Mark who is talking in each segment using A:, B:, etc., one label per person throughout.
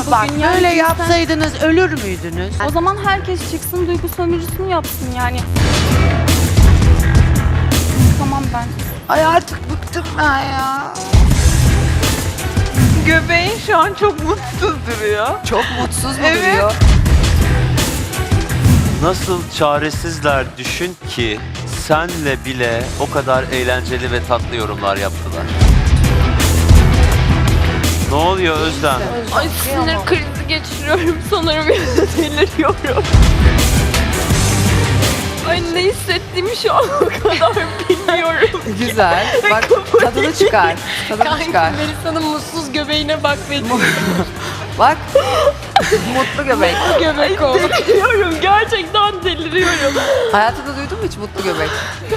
A: bak
B: bugün. Yani
A: böyle
B: cinsten-
A: yapsaydınız ölür müydünüz?
B: O zaman herkes çıksın duygu sömürüsünü yapsın yani. Tamam ben.
A: Ay artık bıktım ben ya.
C: Göbeğin şu an çok mutsuz duruyor.
A: Çok mutsuz mu
C: Evet.
A: duruyor?
D: Nasıl çaresizler düşün ki senle bile o kadar eğlenceli ve tatlı yorumlar yaptılar. Ne oluyor Özlem?
B: Ay sinir krizi geçiriyorum sanırım. Deliriyorum. Ay ne hissettiğimi şu an o kadar bilmiyorum.
A: Güzel. Bak tadını çıkar. Tadını çıkar.
B: Melisa'nın mutsuz göbeğine bak benim.
A: Bak. Mutlu göbek.
B: Göbek oldu. Deliriyorum. Gerçekten deliriyorum.
A: Hayatında duydun mu hiç mutlu göbek?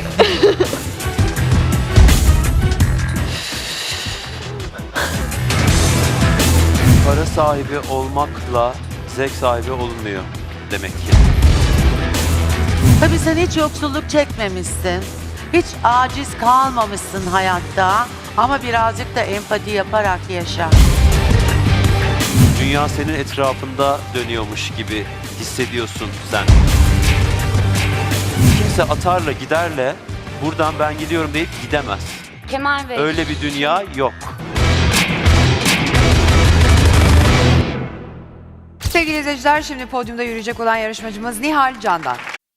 D: Para sahibi olmakla zevk sahibi olunmuyor demek ki.
A: Tabii sen hiç yoksulluk çekmemişsin. Hiç aciz kalmamışsın hayatta. Ama birazcık da empati yaparak yaşa.
D: Dünya senin etrafında dönüyormuş gibi hissediyorsun sen. Kimse atarla giderle buradan ben gidiyorum deyip gidemez.
B: Kemal Bey.
D: Öyle bir dünya yok.
E: Sevgili izleyiciler, şimdi podyumda yürüyecek olan yarışmacımız Nihal Candan.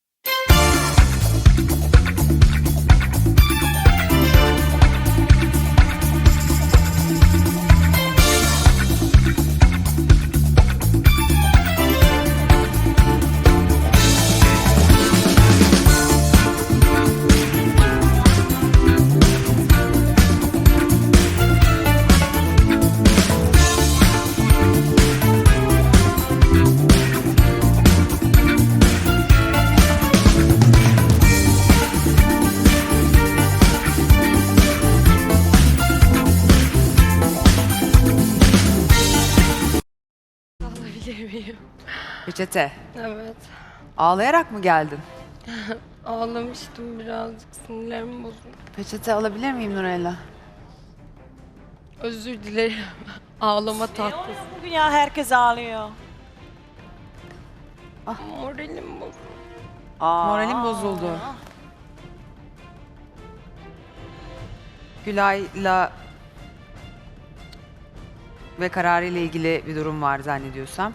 F: Alabilir miyim?
E: Peçete.
F: Evet.
E: Ağlayarak mı geldin?
F: Ağlamıştım birazcık. Sinirlerim bozuldu.
E: Peçete alabilir miyim Nurella?
F: Özür dilerim. Ağlama tahtası.
G: Bugün ya herkes ağlıyor.
F: Moralim bozuldu.
E: Moralim bozuldu. Gülay'la ve kararıyla ilgili bir durum var zannediyorsam.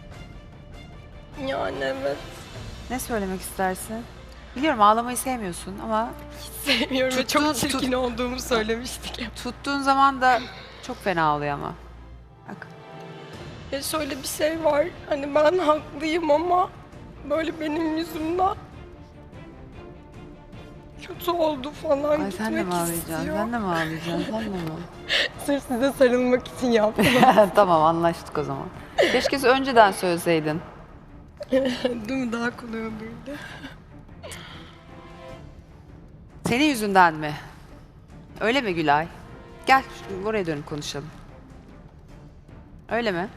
F: Yani evet.
E: Ne söylemek istersin? Biliyorum ağlamayı sevmiyorsun ama
F: Sevmiyorum ve
E: Tuttuğun-
F: çok çirkin olduğumu söylemiştik.
E: tuttuğun zaman da çok fena ağlıyor ama. Bak.
F: Ya şöyle bir şey var. Hani ben haklıyım ama böyle benim yüzümden kötü oldu falan.
E: Ay sen de mi
F: Gitmek
E: ağlayacaksın?
F: istiyor.
E: Sen de mi ağlayacaksın? Sen de mi?
F: Sırf size sarılmak için yaptım.
E: Tamam anlaştık o zaman. Keşke önceden söyleseydin.
F: Değil mi? Daha kolay olurdu.
E: Senin yüzünden mi? Öyle mi Gülay? Gel buraya dönüp konuşalım. Öyle mi?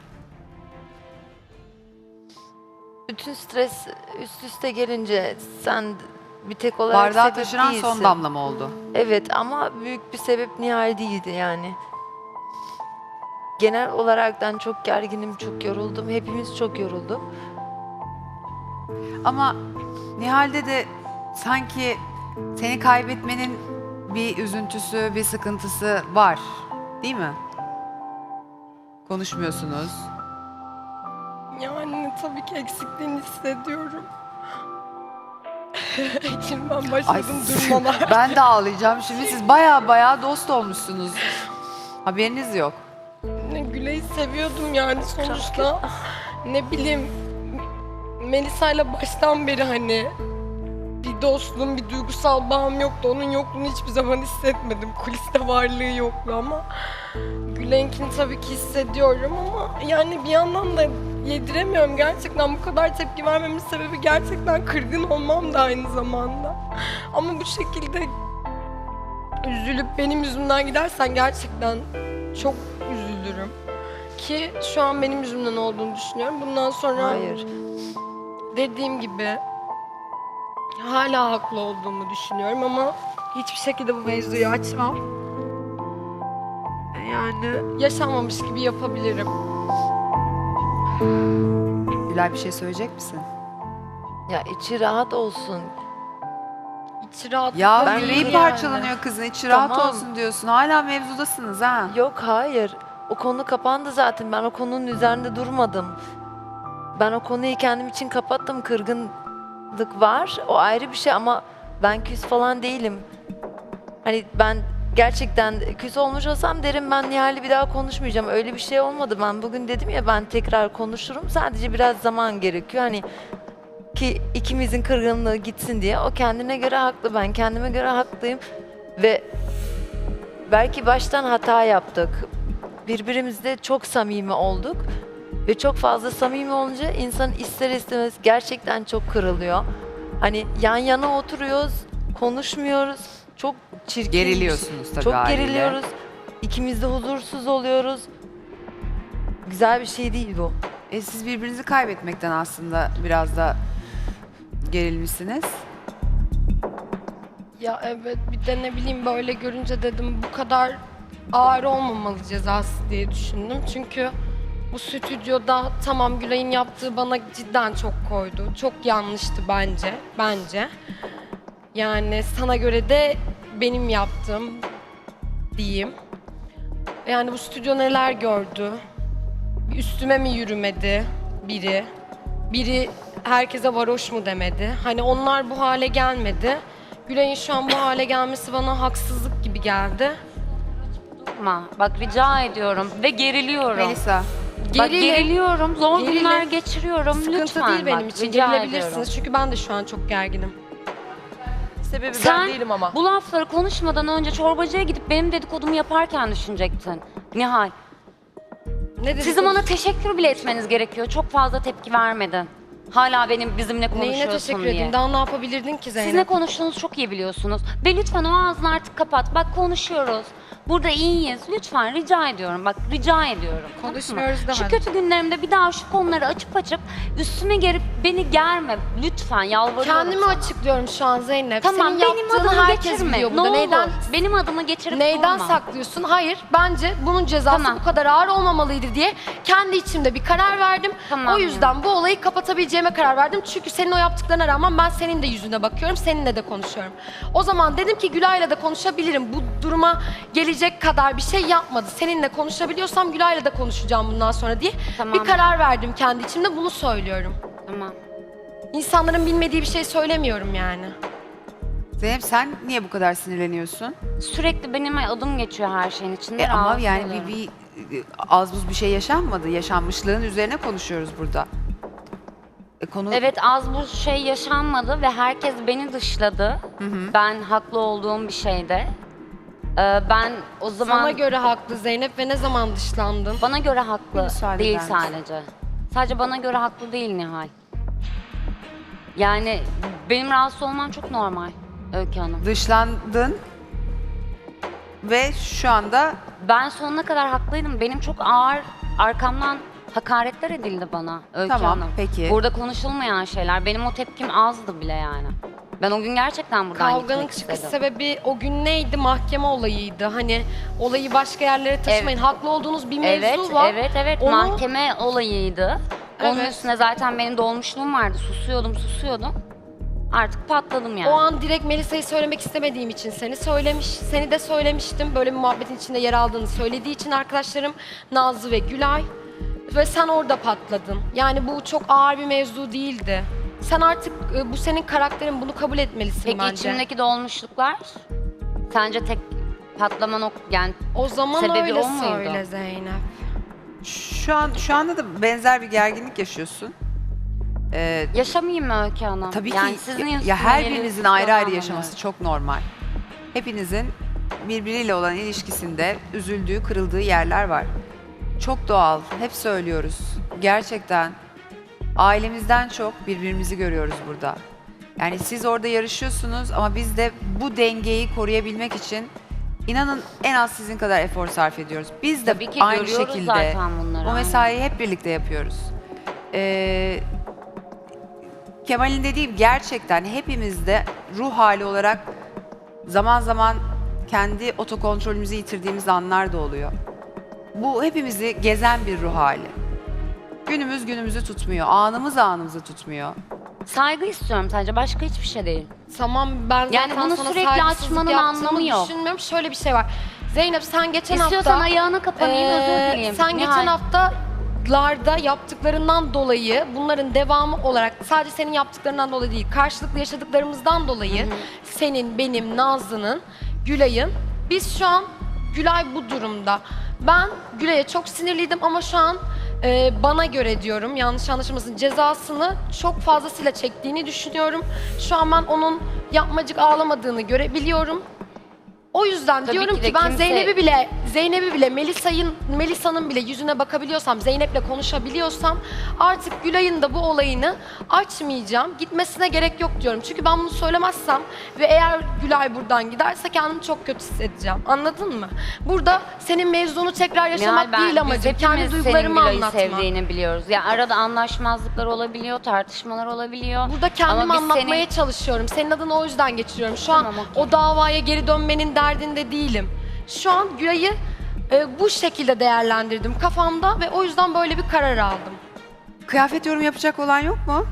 H: Bütün stres üst üste gelince sen bir tek olarak
E: Bardağı
H: sebep
E: taşıran
H: değilsin.
E: son damla mı oldu?
H: Evet ama büyük bir sebep Nihal değildi yani. Genel olaraktan çok gerginim, çok yoruldum. Hepimiz çok yorulduk.
E: Ama Nihal'de de sanki seni kaybetmenin bir üzüntüsü, bir sıkıntısı var. Değil mi? Konuşmuyorsunuz.
F: Yani tabii ki eksikliğini hissediyorum. İçimden başladım durmalar.
E: Ben de ağlayacağım şimdi. Siz baya dost olmuşsunuz. Haberiniz yok.
F: Gülay'ı seviyordum yani sonuçta. Ne bileyim Melisa'yla baştan beri hani bir dostluğum, bir duygusal bağım yoktu. Onun yokluğunu hiçbir zaman hissetmedim. Kuliste varlığı yoktu ama Gülay'ınkini tabii ki hissediyorum ama yani bir yandan da yediremiyorum. Gerçekten bu kadar tepki vermemin sebebi gerçekten kırgın olmam da aynı zamanda. Ama bu şekilde üzülüp benim yüzümden gidersen gerçekten çok üzülürüm. Ki şu an benim yüzümden olduğunu düşünüyorum. Bundan sonra
H: Hayır.
F: dediğim gibi hala haklı olduğumu düşünüyorum ama hiçbir şekilde bu mevzuyu açmam. Yani yaşanmamış gibi yapabilirim.
E: Gülay bir şey söyleyecek misin?
H: Ya içi rahat olsun.
F: İçi rahat
E: Ya
H: Ben
E: yüreği
H: yani.
E: parçalanıyor kızın. İçi rahat
H: Tamam.
E: olsun diyorsun. Hala mevzudasınız ha.
H: Yok hayır. O konu kapandı zaten. Ben o konunun üzerinde durmadım. Ben o konuyu kendim için kapattım. Kırgınlık var. O ayrı bir şey ama ben küs falan değilim. Hani ben gerçekten küs olmuş olsam derim ben Nihal'le bir daha konuşmayacağım. Öyle bir şey olmadı. Ben bugün dedim ya ben tekrar konuşurum. Sadece biraz zaman gerekiyor. Hani ki ikimizin kırgınlığı gitsin diye. O kendine göre haklı. Ben kendime göre haklıyım. Ve belki baştan hata yaptık. Birbirimizle çok samimi olduk. Ve çok fazla samimi olunca insan ister istemez gerçekten çok kırılıyor. Hani yan yana oturuyoruz, konuşmuyoruz. Çok çirkin.
E: Geriliyorsunuz tabii
H: Çok
E: haliyle.
H: geriliyoruz. İkimiz de huzursuz oluyoruz. Güzel bir şey değil bu.
E: Siz birbirinizi kaybetmekten aslında biraz da gerilmişsiniz.
F: Ya evet, bir de ne bileyim böyle görünce dedim bu kadar ağır olmamalı cezası diye düşündüm. Çünkü bu stüdyoda tamam Gülay'ın yaptığı bana cidden çok koydu. Çok yanlıştı bence. Yani sana göre de benim yaptığım diyeyim. Yani bu stüdyo neler gördü? Üstüme mi yürümedi biri? Biri herkese varoş mu demedi? Hani onlar bu hale gelmedi. Gülay'ın şu an bu hale gelmesi bana haksızlık gibi geldi.
I: Bak rica ediyorum ve geriliyorum.
E: Melisa.
I: Bak geriliyorum, zor
F: Gerilin.
I: günler geçiriyorum.
F: Sıkıntı
I: Lütfen
F: değil benim
I: bak,
F: için.
I: rica
F: Gerilebilirsiniz
I: ediyorum.
F: çünkü ben de şu an çok gerginim.
C: Sebebi
I: Sen
C: ben değilim ama.
I: bu lafları konuşmadan önce çorbacıya gidip benim dedikodumu yaparken düşünecektin. Nihal,
F: Ne dedin?
I: sizin bana teşekkür bile etmeniz gerekiyor. Çok fazla tepki vermedin. Hala bizimle
F: Neyine
I: konuşuyorsun
F: teşekkür
I: diye.
F: edeyim? Daha ne yapabilirdin ki Zeynep?
I: Siz ne konuştuğunuzu çok iyi biliyorsunuz. Ve lütfen o ağzını artık kapat. Bak konuşuyoruz. Burada iyiyiz. Lütfen rica ediyorum. Bak rica ediyorum. Tamam mı?
F: Konuşmuyoruz da
I: Şu
F: hadi.
I: kötü günlerimde bir daha şu konuları açıp üstüme gelip beni germe. Lütfen yalvarıyorum
F: Kendimi
I: sana.
F: açıklıyorum şu an Zeynep.
I: Tamam
F: Senin
I: benim
F: yaptığını
I: adımı
F: herkes
I: geçirme.
F: biliyor
I: Ne
F: burada.
I: olur.
F: Neyden
I: Benim adımı geçirip
F: Neyden
I: durma.
F: saklıyorsun? Hayır, bence bunun cezası
I: Tamam.
F: bu kadar ağır olmamalıydı diye kendi içimde bir karar verdim.
I: Tamam
F: O yüzden bu olayı kapatabileceğime karar verdim. Çünkü senin o yaptıklarına rağmen ben senin de yüzüne bakıyorum, seninle de konuşuyorum. O zaman dedim ki Gülay'la da konuşabilirim. Bu duruma gelecek kadar bir şey yapmadı. Seninle konuşabiliyorsam Gülay'la da konuşacağım bundan sonra diye
I: Tamam.
F: bir karar verdim kendi içimde. Bunu söylüyorum.
I: Tamam.
F: İnsanların bilmediği bir şey söylemiyorum yani.
E: Zeynep sen niye bu kadar sinirleniyorsun?
I: Sürekli benim adım geçiyor her şeyin içinde.
E: Ama
I: rahatsız
E: yani
I: oluyorum.
E: bir az buz bir şey yaşanmadı. Yaşanmışlığın üzerine konuşuyoruz burada. Konu
I: Evet az bu şey yaşanmadı ve herkes beni dışladı. Ben haklı olduğum bir şeyde. Ben o zaman
F: Sana göre haklı Zeynep ve ne zaman dışlandın?
I: bana göre haklı
E: müsaade
I: değil
E: eder misin?
I: sadece. Sadece bana göre haklı değil Nihal. Yani benim rahatsız olmam çok normal Öykü Hanım.
E: dışlandın ve şu anda
I: Ben sonuna kadar haklıydım. Benim çok ağır arkamdan hakaretler edildi bana Öykü
E: Tamam,
I: Hanım.
E: peki.
I: Burada konuşulmayan şeyler. Benim o tepkim azdı bile yani. Ben o gün gerçekten buradan
F: Kavganın
I: gitmek
F: çıkış
I: istedim.
F: sebebi o gün neydi? Mahkeme olayıydı. Hani olayı başka yerlere taşımayın. Haklı olduğunuz bir mevzu
I: Evet,
F: var.
I: evet.
F: Onu-
I: Mahkeme olayıydı. Onun
F: Evet.
I: üstüne zaten benim dolmuşluğum vardı. Susuyordum. Artık patladım yani.
F: O an direkt Melisa'yı söylemek istemediğim için seni de söylemiştim. Böyle bir muhabbetin içinde yer aldığını söylediği için arkadaşlarım Nazlı ve Gülay. Ve sen orada patladın. Yani bu çok ağır bir mevzu değildi. Sen artık bu senin karakterin, bunu kabul etmelisin
I: Peki
F: bence.
I: içimdeki dolmuşluklar? Sence tek patlama yani
F: O zaman
I: sebebi
F: öyle
I: o muydu?
F: söyle Zeynep.
E: şu anda da benzer bir gerginlik yaşıyorsun.
I: yaşamayayım mı Öykü Hanım?
E: Tabii
I: yani
E: ki
I: sizin
E: ya her
I: üstüne
E: birinizin
I: gelip
E: ayrı ayrı
I: anlamıyorum.
E: yaşaması çok normal. Hepinizin birbiriyle olan ilişkisinde üzüldüğü, kırıldığı yerler var. Çok doğal. Hep söylüyoruz. Gerçekten ailemizden çok birbirimizi görüyoruz burada. Yani siz orada yarışıyorsunuz ama biz de bu dengeyi koruyabilmek için inanın en az sizin kadar efor sarf ediyoruz. Biz de
I: Tabii ki
E: aynı
I: görüyoruz
E: şekilde
I: zaten bunları,
E: bu
I: aynen.
E: mesaiyi hep birlikte yapıyoruz. Kemal'in dediği gerçekten hepimizde ruh hali olarak zaman zaman kendi otokontrolümüzü yitirdiğimiz anlar da oluyor. Bu hepimizi gezen bir ruh hali. günümüz günümüzü tutmuyor. Anımız anımızı tutmuyor.
I: Saygı istiyorum sadece, başka hiçbir şey değil.
F: Tamam ben zaten
I: Yani bunu
F: sana
I: sürekli
F: saygısızlık
I: açmanın
F: yaptığımı
I: anlamı yok.
F: düşünmüyorum. Şöyle bir şey var. Zeynep sen geçen
I: İstiyorsan
F: hafta...
I: ayağına kapanayım, özür dileyim.
F: Sen
I: Nihal.
F: geçen haftalarda yaptıklarından dolayı, bunların devamı olarak sadece senin yaptıklarından dolayı değil, karşılıklı yaşadıklarımızdan dolayı senin, benim, Nazlı'nın, Gülay'ın, biz şu an Gülay bu durumda. Ben Gülay'a çok sinirliydim ama şu an bana göre diyorum, yanlış anlaşılmasın, cezasını çok fazlasıyla çektiğini düşünüyorum. Şu an ben onun yapmacık ağlamadığını görebiliyorum. O yüzden
I: Tabii
F: diyorum
I: ki
F: ki,
I: de
F: ben
I: kimse-
F: Zeynep'i bile Melisa'nın bile yüzüne bakabiliyorsam, Zeynep'le konuşabiliyorsam artık Gülay'ın da bu olayını açmayacağım. Gitmesine gerek yok diyorum. Çünkü ben bunu söylemezsem ve eğer Gülay buradan giderse kendimi çok kötü hissedeceğim. Anladın mı? Burada senin mevzunu tekrar yaşamak
I: Nihal,
F: değil
I: biz
F: amacım.
I: hepimiz
F: Kendi
I: senin
F: duygularımı
I: Gülay'ı
F: anlatma.
I: sevdiğini biliyoruz. Ya arada anlaşmazlıklar olabiliyor, tartışmalar olabiliyor.
F: Burada kendimi
I: Ama biz
F: anlatmaya
I: senin-
F: çalışıyorum. Senin adını o yüzden geçiriyorum. Şu an
I: Tamam, okey.
F: o davaya geri dönmenin derdinde değilim. Şu an Gülay'ı bu şekilde değerlendirdim kafamda ve o yüzden böyle bir karar aldım.
E: Kıyafet yorum yapacak olan yok mu?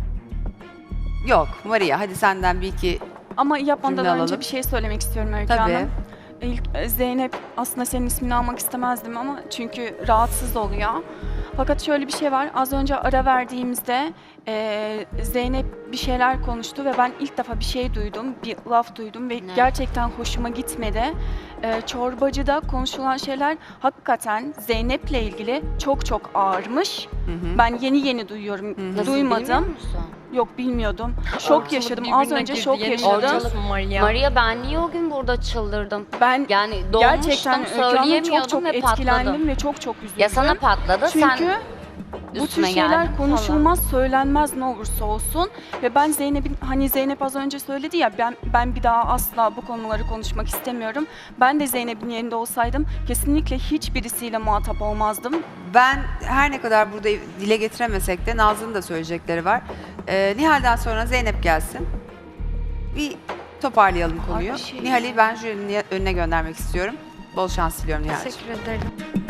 E: Yok. Maria hadi senden bir iki
J: Ama yapmadan
E: Cümle
J: önce
E: alalım.
J: bir şey söylemek istiyorum Öykü
E: Tabii.
J: Hanım. İlk Zeynep, aslında senin ismini almak istemezdim ama çünkü rahatsız oluyor. Fakat şöyle bir şey var. Az önce ara verdiğimizde Zeynep bir şeyler konuştu ve ben ilk defa bir şey duydum, bir laf duydum ve
I: Ne?
J: gerçekten hoşuma gitmedi. Çorbacıda konuşulan şeyler hakikaten Zeynep'le ilgili çok çok ağırmış. Ben yeni duyuyorum.
I: Nasıl, bilmiyor
J: Duymadım.
I: musun?
J: Yok bilmiyordum. Şok yaşadım. Az
F: Birbirine
J: önce
F: girdi,
J: şok
F: yeni
J: yaşadım.
F: görüyorsun Maria.
I: Maria, ben niye o gün burada çıldırdım?
J: Ben
I: Yani
J: gerçekten
I: doğmuştum,
J: Öykü Hanım
I: söyleyemiyordum
J: çok
I: ve
J: etkilendim
I: patladım.
J: ve çok üzüldüm.
I: Ya sana patladı,
J: Çünkü
I: sen
J: bu tür
I: üstüme
J: şeyler
I: geldin
J: konuşulmaz, söylenmez ne olursa olsun. Ve ben Zeynep'in, hani Zeynep az önce söyledi ya, ben bir daha asla bu konuları konuşmak istemiyorum. Ben de Zeynep'in yerinde olsaydım kesinlikle hiçbirisiyle muhatap olmazdım.
E: Ben her ne kadar burada dile getiremesek de Nazlı'nın da söyleyecekleri var. Nihal'den sonra Zeynep gelsin. Bir toparlayalım konuyu.
J: bir şey
E: Nihal'i ben jürinin önüne göndermek istiyorum. Bol şans diliyorum Nihal'ciğim.
F: Teşekkür ederim.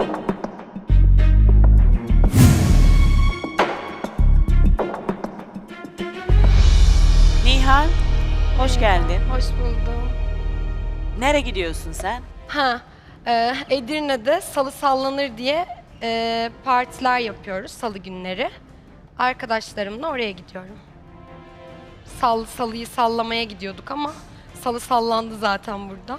G: Nihal, hoş geldin.
F: Hoş buldum.
G: Nereye gidiyorsun sen?
F: Edirne'de salı sallanır diye partiler yapıyoruz salı günleri. Arkadaşlarımla oraya gidiyorum. Salıyı sallamaya gidiyorduk ama salı sallandı zaten burada.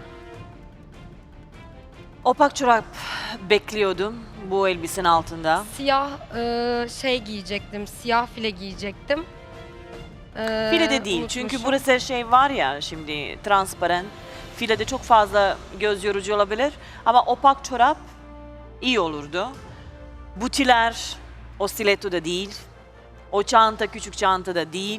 G: Opak çorap bekliyordum bu elbisenin altında.
F: Siyah şey giyecektim, siyah file giyecektim.
G: File de değil çünkü
F: unutmuşum.
G: burası şey var ya şimdi transparan. Filede çok fazla göz yorucu olabilir ama opak çorap iyi olurdu. Butiler o stiletto da değil. O çanta küçük çanta da değil.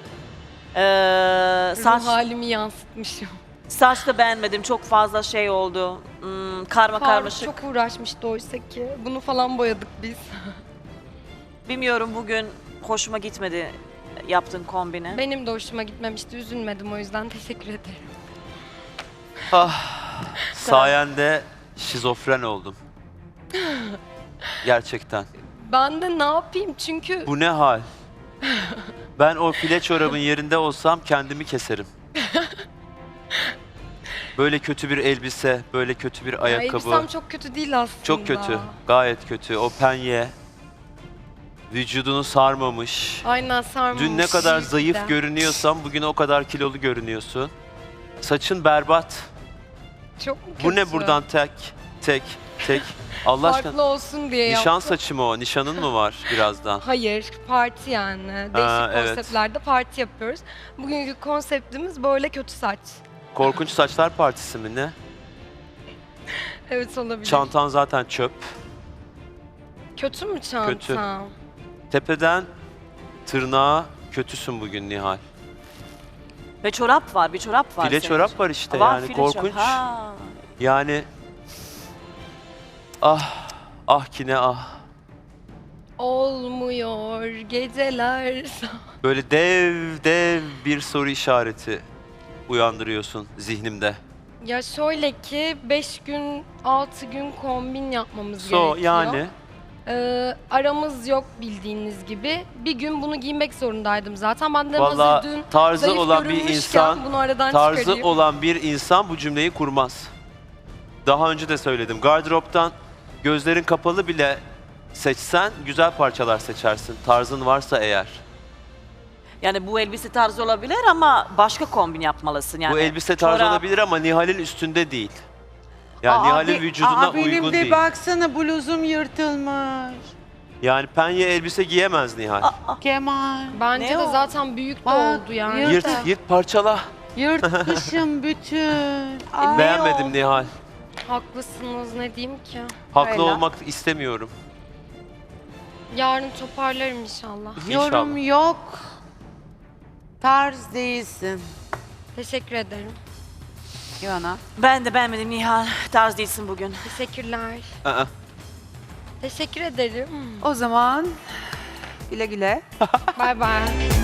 G: Saç,
F: Ruh halimi yansıtmışım.
G: saç da beğenmedim. Çok fazla şey oldu. Karma
F: Faruk
G: karmaşık.
F: çok uğraşmıştı oysa ki. Bunu falan boyadık biz.
G: Bilmiyorum bugün hoşuma gitmedi yaptığın kombine.
F: Benim de hoşuma gitmemişti. Üzülmedim o yüzden teşekkür ederim.
D: Sayende şizofren oldum. Gerçekten.
F: Ben de ne yapayım çünkü
D: Bu ne hal? Ben o file çorabın yerinde olsam kendimi keserim. Böyle kötü bir elbise, böyle kötü bir ayakkabı.
F: elbisem çok kötü değil aslında.
D: Çok kötü, gayet kötü. O penye, vücudunu sarmamış.
F: Aynen sarmamış.
D: Dün ne kadar
F: şişti.
D: zayıf görünüyorsan bugün o kadar kilolu görünüyorsun. Saçın berbat.
F: Çok mu
D: Bu ne
F: kötü?
D: buradan tek. Allah aşkına.
F: Farklı olsun diye
D: Nişan
F: yaptım.
D: saçı mı o? Nişanın mı var birazdan?
F: Hayır, parti yani. Değişik
D: evet.
F: konseptlerde parti yapıyoruz. Bugünkü konseptimiz böyle kötü saç.
D: Korkunç Saçlar Partisi mi ne?
F: Evet olabilir.
D: Çantan zaten çöp.
F: Kötü mü çantam?
D: Kötü. Tepeden tırnağa kötüsün bugün Nihal.
G: Ve çorap var, bir çorap var.
D: File
G: senin
D: çorap
G: için.
D: var işte
G: Var,
D: yani
G: file çorap.
D: korkunç.
G: Ha.
D: Yani ki ne ah.
F: Olmuyor geceler.
D: Böyle dev bir soru işareti uyandırıyorsun zihnimde.
F: Ya şöyle ki 5 gün 6 gün kombin yapmamız
D: So
F: gerekiyor.
D: yani
F: Aramız yok bildiğiniz gibi. Bir gün bunu giymek zorundaydım zaten. Ben de hazır
D: Vallahi
F: dün
D: tarzı
F: zayıf
D: olan bir
F: görünmüşken
D: insan,
F: bunu aradan
D: tarzı
F: çıkarayım.
D: olan bir insan bu cümleyi kurmaz. Daha önce de söyledim. Gardıroptan gözlerin kapalı bile seçsen güzel parçalar seçersin. Tarzın varsa eğer.
G: Yani bu elbise tarzı olabilir ama başka kombin yapmalısın yani.
D: Bu elbise tarzı
G: Çorap,
D: olabilir ama Nihal'in üstünde değil. Yani Nihal'in vücuduna
A: benim
D: uygun
A: de
D: değil.
A: baksana bluzum yırtılmış.
D: Yani penye elbise giyemez Nihal.
A: Kemal.
F: Bence
G: Ne
F: de
G: o?
F: zaten büyük de
A: Bak,
F: oldu yani.
A: yırt-
D: Yırt parçala.
A: Yırtmışım bütün. Ay.
D: Beğenmedim Nihal.
F: Haklısınız, ne diyeyim ki.
D: Haklı
E: Öyle.
D: olmak istemiyorum.
F: Yarın toparlarım inşallah.
A: Yorum yok. Tarz değilsin.
F: Teşekkür ederim.
E: Yona.
G: Ben de beğenmedim Nihal. Tarz değilsin bugün.
F: Teşekkürler.
D: Aa,
F: Teşekkür ederim.
E: O zaman güle güle.
F: Bay bay.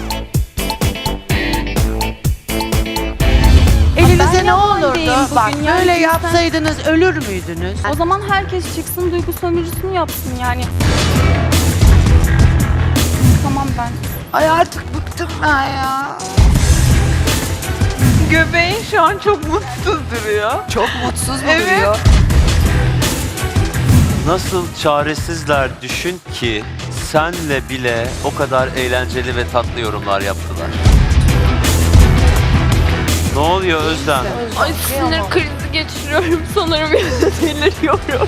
A: Elinize ne
J: Ben
A: olurdu?
J: yalan değilim
A: Bak
J: bugün yani
A: böyle
J: insan-
A: yapsaydınız ölür müydünüz?
J: O zaman herkes çıksın duygu sömürüsünü yapsın yani. Tamam ben.
A: Ay artık bıktım ben ya.
C: Göbeğin şu an çok mutsuz duruyor.
E: Çok mutsuz mu
C: Evet.
E: duruyor?
D: nasıl çaresizler düşün ki senle bile o kadar eğlenceli ve tatlı yorumlar yaptılar. Ne oluyor Özlem?
B: Ay sinir krizi geçiriyorum sanırım ya da deliriyorum.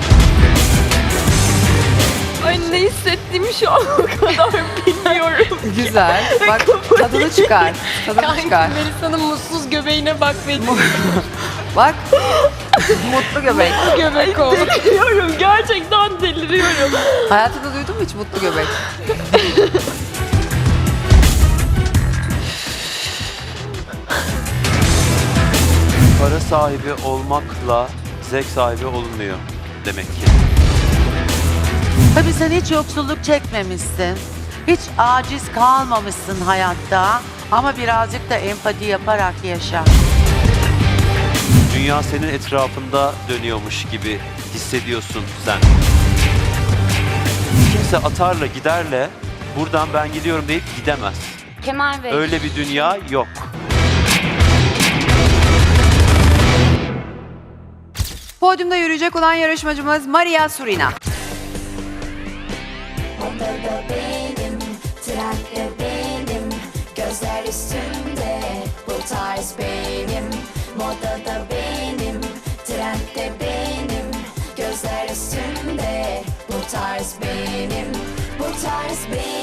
B: Ay ne hissettiğimi şu an o kadar bilmiyorum.
E: Güzel. Bak tadını çıkar. Tadını çıkar.
F: Melisa'nın mutsuz göbeğine bak benim.
E: Bak. Mutlu göbek.
F: Göbek oldu.
B: Deliriyorum gerçekten deliriyorum.
E: Hayatında duydun mu hiç mutlu göbek?
D: Para sahibi olmakla zevk sahibi olunmuyor demek ki.
A: Tabii sen hiç yoksulluk çekmemişsin. Hiç aciz kalmamışsın hayatta. Ama birazcık da empati yaparak yaşa.
D: Dünya senin etrafında dönüyormuş gibi hissediyorsun sen. Kimse atarla giderle buradan ben gidiyorum deyip gidemez.
I: Kemal Bey.
D: Öyle bir dünya yok.
E: Podyumda yürüyecek olan yarışmacımız Maria Surina.
K: Odada benim, trendde benim, gözler üstünde, bu tarz benim. Modada benim, trendde benim, gözler üstünde, bu tarz benim, bu tarz benim.